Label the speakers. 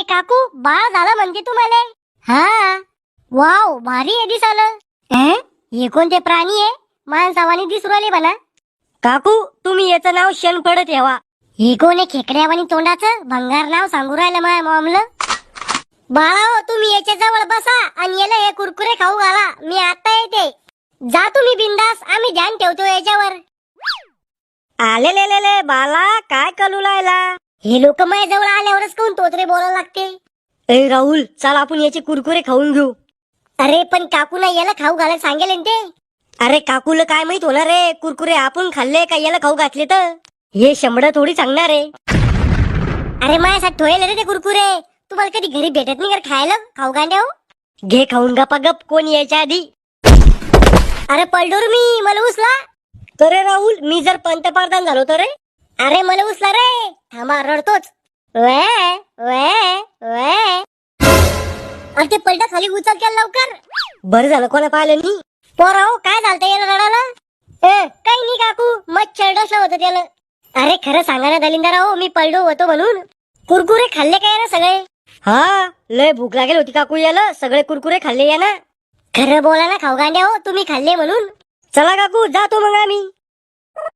Speaker 1: काकू बाळ झालं म्हणजे तुम्हाला? हा. वाव, भारी आहे दिसालं. हे कोणते प्राणी आहे? माणसावानी दिसू राहिले म्हणा. काकू तुम्ही याचं नाव शेणफळ ठेवा. हे कोण आहे खेकड्यावानी तोंडाचं भंगार नाव सांगू राहिलं माझ्या मॉमला. बाळाओ तुम्ही याच्या जवळ बसा आणि याला हे कुरकुरे खाऊ घाला. मी आता येते. जा तुम्ही बिंदास, आम्ही ध्यान ठेवतो याच्यावर. आले बाला काय कलू लायला? हे लोक माझ्या जवळ आल्यावरच कोण तोत्रे बोलायला लागते. ए राहुल चल आपण याचे कुरकुरे खाऊन घेऊ. अरे पण काकूला याला खाऊ घालायला सांगेल ना ते. अरे काकूला काय माहित होणार रे, कुरकुरे आपण खाल्ले का याला खाऊ घातले तर हे शंभर थोडी सांगणार आहे. अरे माझ्यासाठी ठोयले रे ते कुरकुरे. तुम्हाला कधी घरी भेटत नाही का खायला खाऊ गांड्या? घे खाऊन गपा गप, कोण यायच्या आधी. अरे पलडोर मी, मला उचला. तर राहुल मी जर पंतप्रधान झालो तर रे. अरे मला उचला रे. थांबा रडतोच. वे वे वे. अरे ते पलटा खाली उचल केला लवकर. बरं झालं कोणा पाहिलं नाही. पोराओ काय झालं याला रडायला? काही नाही काकू, मच्छर डसला होतं त्याला. अरे खरं सांगा ना दलिंदराओ, मी पलडो होतो म्हणून. कुरकुरे खाल्ले काय ना सगळे? हा लय भूक लागेल होती काकू याला, सगळे कुरकुरे खाल्ले या ना. खरं बोला ना खाऊ गांड्या हो, तुम्ही खाल्ले म्हणून. चला काकू जातो मग आम्ही.